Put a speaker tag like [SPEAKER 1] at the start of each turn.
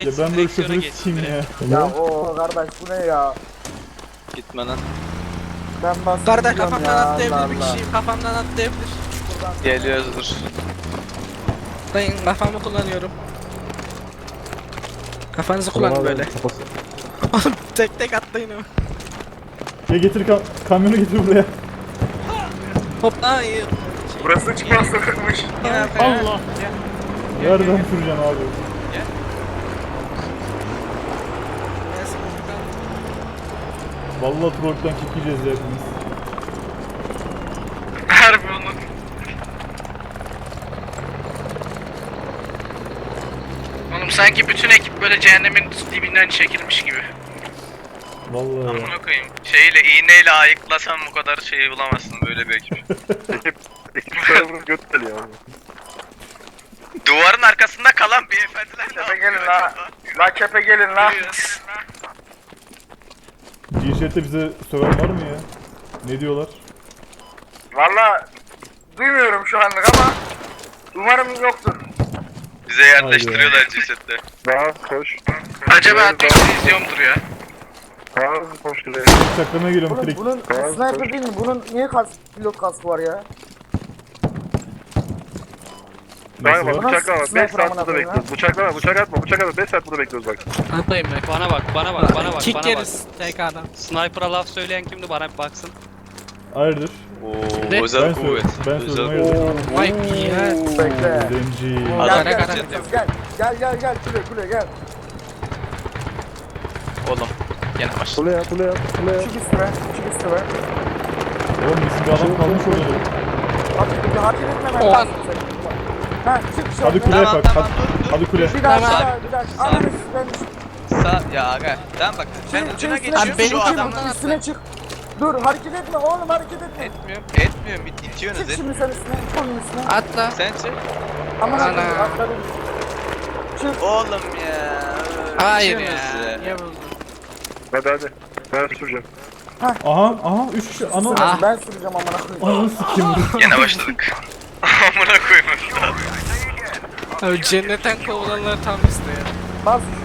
[SPEAKER 1] Ya ben böyle şoförü sikeyim ya.
[SPEAKER 2] Ya o kardeş bu ne ya?
[SPEAKER 3] Gitme lan.
[SPEAKER 2] Ben bastım
[SPEAKER 4] Karda
[SPEAKER 2] gidiyorum
[SPEAKER 4] kafamdan
[SPEAKER 2] ya,
[SPEAKER 4] atlayabilir
[SPEAKER 2] Allah
[SPEAKER 4] bir
[SPEAKER 2] Allah.
[SPEAKER 4] kişi. Kafamdan atlayabilir.
[SPEAKER 3] Geliyoruzdur.
[SPEAKER 4] Ben kafamı kullanıyorum. Kafanızı kullanın böyle. Oğlum tek tek atlayın ama.
[SPEAKER 1] Ya getir kamyonu getir buraya.
[SPEAKER 4] Hop ay.
[SPEAKER 5] Burası çıkmaz sokakmış.
[SPEAKER 1] Allah. Nereden süreceğim abi? Vallahi trollden kick yiyeceğiz ya hepimiz.
[SPEAKER 5] Harbi onu. Oğlum sanki bütün ekip böyle cehennemin dibinden çekilmiş gibi.
[SPEAKER 1] Vallahi ya.
[SPEAKER 5] Amına koyayım. Şeyle iğneyle ayıklasan bu kadar şeyi bulamazsın böyle bir ekip.
[SPEAKER 6] Ekip tarafını göt geliyor abi.
[SPEAKER 5] Duvarın arkasında kalan beyefendiler ne yapıyor? Gelin la. La kepe gelin la.
[SPEAKER 1] G-Shirt'te bize söven var mı ya? Ne diyorlar?
[SPEAKER 5] Valla duymuyorum şu anlık ama umarım yoktur. Bize yerleştiriyorlar cesette.
[SPEAKER 6] Daha koş.
[SPEAKER 5] Acaba admin izliyorumdur ya.
[SPEAKER 6] Daha koş geliyor.
[SPEAKER 1] Çaklamaya geliyorum
[SPEAKER 2] Oğlum
[SPEAKER 1] klik.
[SPEAKER 2] bunun sniper değil mi? Bunun niye pilot kaskı var ya?
[SPEAKER 1] Nasıl
[SPEAKER 6] Kanka
[SPEAKER 1] var?
[SPEAKER 6] bak bıçaklama. 5
[SPEAKER 2] Sniper
[SPEAKER 6] saat
[SPEAKER 2] amına
[SPEAKER 6] burada
[SPEAKER 2] koyayım
[SPEAKER 6] bekliyoruz. Bıçaklama, bıçak atma, bıçak atma. 5 saat burada bekliyoruz bak.
[SPEAKER 4] Atlayın be.
[SPEAKER 3] Bana bak, bana bak, bana bak,
[SPEAKER 4] Kick
[SPEAKER 3] bana bak.
[SPEAKER 4] yeriz TK'dan.
[SPEAKER 3] Sniper'a laf söyleyen kimdi? Bana bir baksın.
[SPEAKER 1] Hayırdır?
[SPEAKER 3] Oo,
[SPEAKER 4] Ne?
[SPEAKER 3] özel
[SPEAKER 1] Ben
[SPEAKER 3] kuvvet.
[SPEAKER 1] söyledim
[SPEAKER 3] Özel
[SPEAKER 1] hayırdır?
[SPEAKER 4] Vay ya.
[SPEAKER 2] Bekle.
[SPEAKER 1] Zenci.
[SPEAKER 3] Adam
[SPEAKER 2] Gel
[SPEAKER 3] kaçırdı.
[SPEAKER 2] gel kule gel.
[SPEAKER 3] Oğlum, gene başladı.
[SPEAKER 6] Kule yap.
[SPEAKER 2] Çık üstüme.
[SPEAKER 1] Oğlum bizim bir adam kalmış orada.
[SPEAKER 2] Hadi hareket etme ben
[SPEAKER 4] Oha.
[SPEAKER 2] lazım seni. Ha çık şu
[SPEAKER 1] Hadi kuleye bak. Hadi kule.
[SPEAKER 2] Bir daha
[SPEAKER 4] Tamam.
[SPEAKER 2] bir daha. Ananı ben
[SPEAKER 3] Ya aga, tamam bak. Ben ucuna
[SPEAKER 4] Abi
[SPEAKER 3] geçiyorum.
[SPEAKER 4] benim
[SPEAKER 3] Şu adamdan
[SPEAKER 4] kafamdan
[SPEAKER 2] üstüne çık. Dur hareket etme oğlum hareket etme.
[SPEAKER 3] Etmiyorum. İtiyorsunuz.
[SPEAKER 2] Çık şimdi sen üstüne. Onun üstüne.
[SPEAKER 4] Atla.
[SPEAKER 3] Sen çık.
[SPEAKER 2] Aman
[SPEAKER 4] Ana.
[SPEAKER 2] Allah'ım atladım. Çık.
[SPEAKER 3] Oğlum ya.
[SPEAKER 4] Hayır ya.
[SPEAKER 3] İtiyorsunuz
[SPEAKER 4] Niye buldun?
[SPEAKER 6] Hadi. Ben süreceğim.
[SPEAKER 1] Aha 3 kişi. Ana.
[SPEAKER 4] Ah.
[SPEAKER 2] Ben süreceğim amına koyayım.
[SPEAKER 1] Ananı sikeyim.
[SPEAKER 5] Yine başladık. Amına koyayım.
[SPEAKER 4] Abi cennetten kovulanlar tam işte ya.
[SPEAKER 2] Bas